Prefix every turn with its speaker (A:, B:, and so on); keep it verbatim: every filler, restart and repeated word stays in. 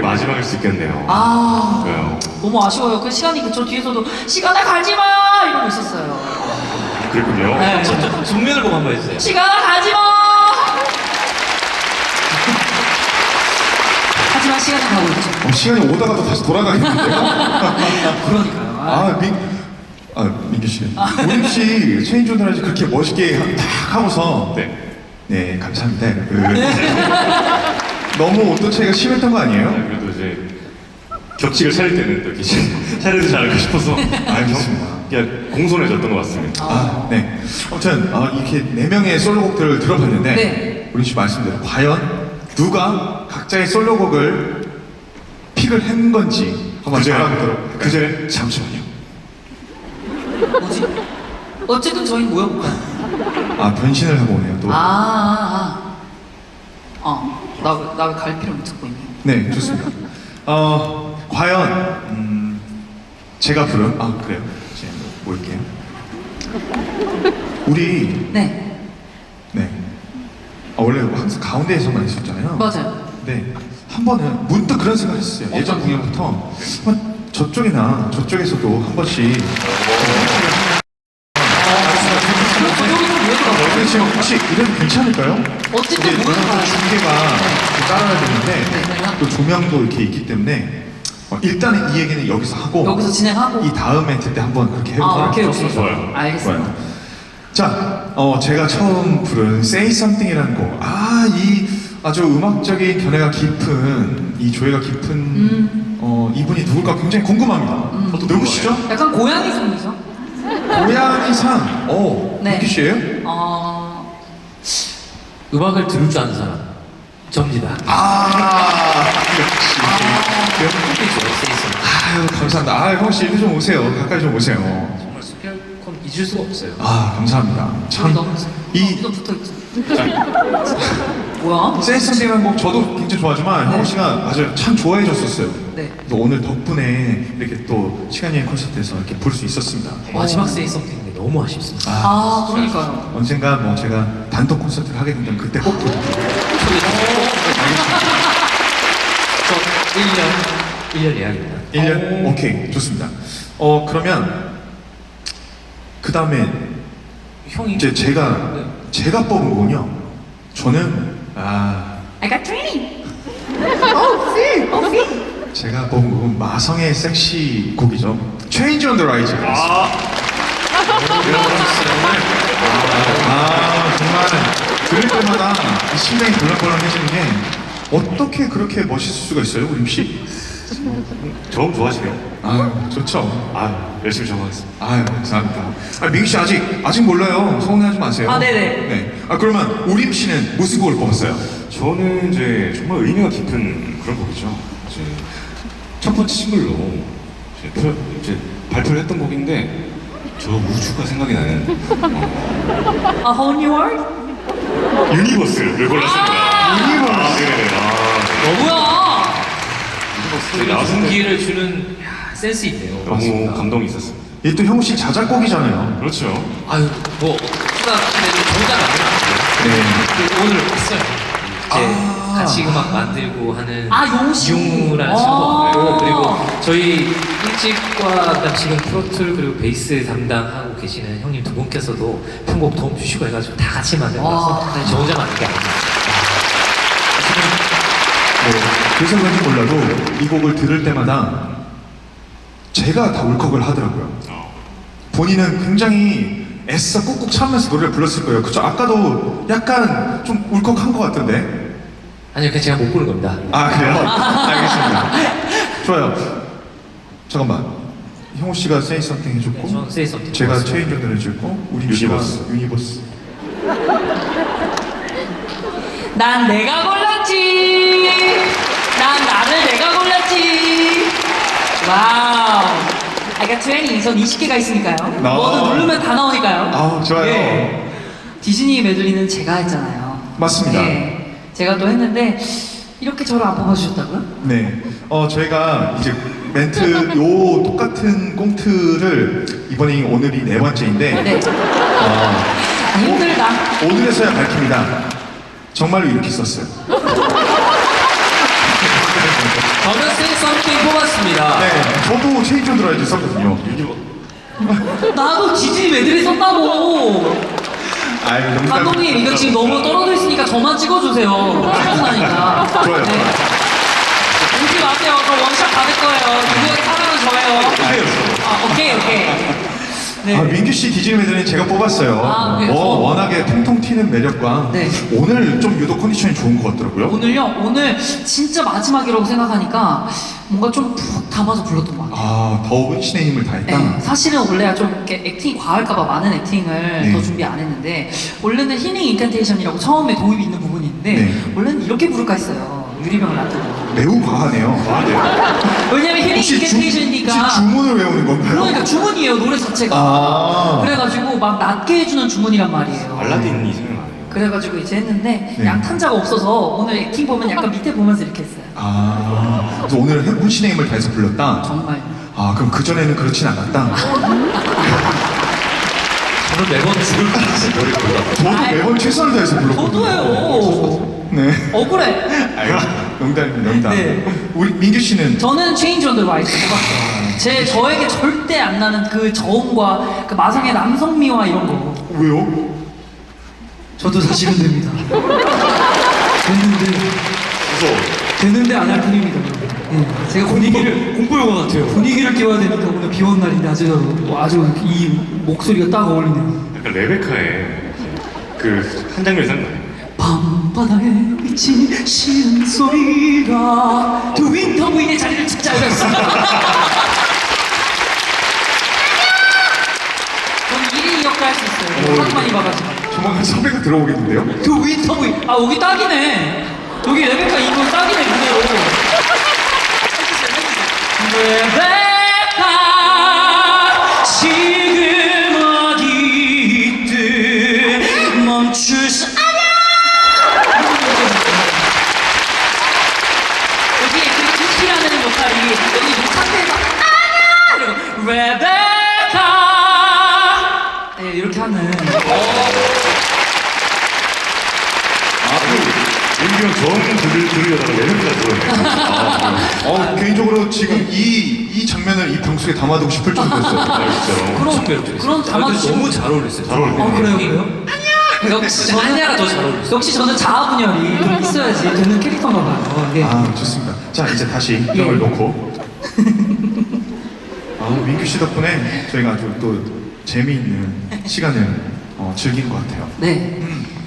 A: 마지막일 수 있겠네요.
B: 아,
A: 왜요?
B: 너무 아쉬워요. 그 시간이 그저 뒤에서도 시간아 가지마 이러고 있었어요.
A: 그랬군요.
B: 네.
C: 저, 저, 정면을 보고 한번 해주세요.
B: 시간아 가지마. 하지만 시간은 가고 있죠.
D: 어, 시간이 오다가도 다시 돌아가겠는데요?
B: 그러니까요. 아,
D: 아, 민, 아, 민규 씨. 우림 씨 체인지 오늘 아주 그렇게 멋있게 탁 하고서.
A: 네.
D: 네, 감사합니다. 그, 너무 온도 차이가 심했던 거 아니에요?
A: 아, 그래도 이제 격식을 차릴 때는 또 이렇게 차려주지 않을까 싶어서
D: 알겠습니다.
A: 그냥 공손해졌던 것 같습니다.
D: 아, 네. 아무튼, 아, 이렇게 네 명의 솔로곡들을 들어봤는데,
B: 네.
D: 우림 씨 말씀대로 과연 누가 각자의 솔로곡을 픽을 한 건지 한번
A: 그제
D: 알아보도록.
A: 그제 잠시만요.
B: 뭐지? 어쨌든 저희 모여볼까요?
D: 아, 변신을 하고 오네요, 또.
B: 아, 아, 아. 어, 나, 나 왜 갈피를 못 찾고 있니?
D: 네, 좋습니다. 어, 과연, 음, 제가 부른, 아, 그래요. 이제 모일게요. 우리,
B: 네,
D: 네. 아, 원래 항상 가운데에서만 있었잖아요.
B: 맞아요.
D: 네. 한 번은 문득 그런 생각을 했어요. 예전 공연부터. 한번 저쪽이나 저쪽에서도 한 번씩.
B: 그럼 저 여기서 모여볼까요?
D: 근데 지금 혹시 이래도 괜찮을까요?
B: 어쨌든
D: 이게
B: 모여봐요.
D: 중계가 따라야 되는데
B: 네.
D: 또 조명도 이렇게 있기 때문에 어, 일단은 이 얘기는 여기서 하고
B: 여기서 진행하고.
D: 이 다음 멘트 때 한번 그렇게
B: 아,
D: 해볼까요?
B: 오케이, 오케이.
A: 좋아요.
B: 알겠습니다.
D: 좋아요. 자, 어, 제가 처음 부른 Say Something이라는 곡. 아, 이 아주 음악적인 견해가 깊은, 이 조예가 깊은
B: 음.
D: 어, 이분이 누굴까 굉장히 궁금합니다.
B: 음.
D: 누구시죠?
B: 약간 고양이 손이죠?
D: 고양이상. 어,
B: 네.
D: 민규 씨예요?
B: 어,
C: 음악을 들을 줄 아는 사람. 접니다.
D: 아, 역시. 그래요?
C: 컴퓨터 에세이스.
D: 아유, 감사합니다. 아, 형 씨, 이리 좀 오세요. 가까이 좀 오세요.
C: 정말 스피어콘 잊을 수가 없어요.
D: 아, 감사합니다. 참,
B: 너무
D: 이
B: 이 붙어있죠. 뭐야?
D: 센스이라는 곡 저도 굉장히 좋아하지만
B: 네.
D: 형우 씨가 맞아요. 참 좋아해 줬었어요.
B: 네.
D: 그래서 오늘 덕분에 이렇게 또 시간여행 콘서트에서 이렇게 볼 수 있었습니다.
C: 마지막 세이 썸띵인데 너무 아쉽습니다.
B: 아, 그러니까요.
D: 언젠가 뭐 제가 단독 콘서트를 하게 된다면 그때 꼭 부를게요.
C: 저 일 년, 일 년 예약입니다.
D: 일 년? 오케이, 좋습니다. 어, 그러면 그 다음에
C: 형이
D: 이제 제가
C: 네.
D: 제가 뽑은 곡은요. 저는 아
B: I got training.
D: 제가 뽑은 곡은 마성의 섹시 곡이죠. Change on the Rise.
A: 아,
D: 아 정말 들을 때마다 이 심장이 벌렁벌렁해지는 게 어떻게 그렇게 멋있을 수가 있어요, 우림 씨?
A: 저음 좋아하시네요.
D: 아 좋죠.
A: 아, 열심히 적어하겠습니다.
D: 아유 감사합니다. 아 민규 씨 아직 아직 몰라요. 서운해하지 마세요.
B: 아, 네네.
D: 네. 아 그러면 우림 씨는 무슨 곡을 뽑았어요?
A: 저는 이제 정말 의미가 깊은 그런 곡이죠. 이제 첫 번째 싱글로 이제, 표, 이제 발표를 했던 곡인데 저 우주가 생각이 나는 어,
B: A whole new world?
A: 유니버스를 골랐습니다.
D: 유니버스.
A: 아, 네. 아,
B: 뭐야?
A: 유니버스 나왔을 때
C: 분기를 주는 야, 센스 있네요.
A: 너무
C: 맞습니다.
A: 감동이 있었습니다.
D: 이게 또 형우 씨 자작곡이잖아요.
A: 그렇죠.
C: 아유, 뭐, 추가, 근데 정답 아니에요.
D: 네.
C: 오늘 했어요. 이제
D: 아.
C: 같이 음악 만들고 하는
B: 아, 용씨.
C: 용우라는
B: 아.
C: 친구가 있고 그리고 저희 일집과 그다음 지금 트로트 그리고 베이스 담당하고 계시는 형님 두 분께서도 편곡 도움 주시고 해가지고 다 같이 만든 거라서
B: 와.
C: 사실 저 혼자 만든 게 아닙니다.
D: 뭐, 그래서 그런지 몰라도 이 곡을 들을 때마다 제가 다 울컥을 하더라고요.
A: 어.
D: 본인은 굉장히 애써 꾹꾹 참으면서 노래를 불렀을 거예요. 그쵸? 아까도 약간 좀 울컥한 것 같던데.
C: 아니요, 그냥 제가 못 부른 겁니다.
D: 아, 그래요? 알겠습니다. 좋아요. 잠깐만. 형우 씨가 Say Something 해줬고,
C: 네, 저는 Say Something
D: 제가
C: 좋았어요.
D: 체인지 언더를 해줬고, 우리 씨가
A: 유니버스.
D: 유니버스.
B: 난 내가 골랐지. 난 나를 내가 골랐지. 와우. I got twenty. 전 이십 개가 있으니까요.
D: 나-
B: 뭐든 누르면 다 나오니까요.
D: 아, 좋아요.
B: 예. 디즈니 메들리는 제가 했잖아요.
D: 맞습니다.
B: 예. 제가 또 했는데 이렇게 저를 안 뽑아주셨다고요?
D: 네. 어, 저희가 이제 멘트, 요 똑같은 꽁트를 이번이 오늘이 네 번째인데,
B: 네.
D: 어,
B: 아, 힘들다.
D: 오늘에서야 밝힙니다. 정말로 이렇게 썼어요.
C: 저는 Say Something 뽑았습니다.
D: 네, 저도 체인저 드라이브 썼거든요.
B: 나도 지지 메들리 썼다고.
D: 아이, 농담.
B: 감독님 이거 지금 너무 떨어져 있으니까 저만 찍어주세요. 충분하니까.
D: 좋아요.
B: 네. 웃지 마세요. 저 원샷 받을 거예요. 누구의 사랑은 저예요. 아 오케이 오케이. 네.
D: 아, 민규 씨 디즈니 메들리는 제가 뽑았어요.
B: 아, 네.
D: 어,
B: 어.
D: 워낙에 통통 튀는 매력과
B: 네.
D: 오늘 좀 유독 컨디션이 좋은 것 같더라고요.
B: 오늘요 오늘 진짜 마지막이라고 생각하니까 뭔가 좀 푹 담아서 불렀던 것 같아요.
D: 아, 더 은신의 힘을 다했다.
B: 네, 사실은 원래 좀 이렇게 액팅이 과할까봐 많은 액팅을
D: 네.
B: 더 준비 안 했는데 원래는 힐링 인칸테이션이라고 처음에 도입이 있는 부분이 있는데
D: 네.
B: 원래는 이렇게 부를까 했어요. 유리병을 놔두고.
D: 매우 과하네요.
B: 왜냐면 힐링
D: 혹시 주,
B: 인칸테이션이니까
D: 혹시 주문을 외우는 건가요?
B: 그러니까 주문이에요 노래 자체가.
D: 아.
B: 그래가지고 막 낮게 해주는 주문이란 말이에요.
A: 알라딘이 생각나네요.
B: 그래가지고 이제 했는데
D: 네.
B: 양탄자가 없어서 오늘 액팅 보면 약간 밑에 보면서 이렇게 했어요.
D: 아, 그래서 오늘 은신의 힘을 다해서 불렀다?
B: 정말.
D: 아, 그럼 그전에는 그렇진 않았다?
C: 저는 매번 죽을 뻔했어요. 노래 부르다가.
D: 저도
B: 아이,
D: 매번 최선을 다해서 불렀거든요.
B: 저도요.
D: 네.
B: 억울해.
D: 아유, 농담입니다, 농담.
B: 네.
D: 우리 민규 씨는
B: 저는 체인지 온더 라이트 뽑았어요. 제 저에게 절대 안 나는 그 저음과 그 마성의 남성미와 이런 거.
D: 왜요?
B: 저도 사실은 됩니다. 됐는데 됐는데 안 할 뿐입니다. 네, 제가 분위기를
C: 공부 영화 같아요.
B: 분위기를 띄워야 되니까 오늘 비오는 날인데 아주 아주 이 목소리가 딱 어울리네요.
A: 약간 레베카의 그 한 장면이 생각나요.
B: 밤바다에 비친 시은 소리가 두 윈터 부인의 자리를 찾아오셨습니다. 저는 일 인 역할 할 수 있어요.
D: 오.
B: 하도 많이 봐가지고.
D: 조만간 섭외가 들어오겠는데요?
B: 그 윈터 부인. 아 여기 딱이네. 여기 레베카 이분 딱이네 그대로. 레베카 지금 어디 있든 멈출 수 아냐. 여기 그 주시라는 역할이 여기 이 상태에서 아냐 이러고 레베카 네, 이렇게 하는.
A: 민규 형 저음 들으, 들으려다가 레베카 들어오네요.
D: 어, 개인적으로 지금 이, 이 장면을 이 방송에 담아두고 싶을 정도였어요.
A: 아, 진짜로.
B: 그런 그런 담아주시고
C: 너무 잘 어울렸어요.
A: 잘 어울리네요.
B: 어 그래요 그래요? 역시 저는
C: 아냐가 더 잘 어울렸어요.
B: 역시 저는 자아 분열이 좀 있어야지 되는 캐릭터인가 봐요. 네.
D: 아, 좋습니다. 자, 이제 다시
B: 예.
D: 이걸 놓고. 아, 민규 씨 덕분에 저희가 아주 또 재미있는 시간을 어, 즐긴 것 같아요.
B: 네.
D: 음,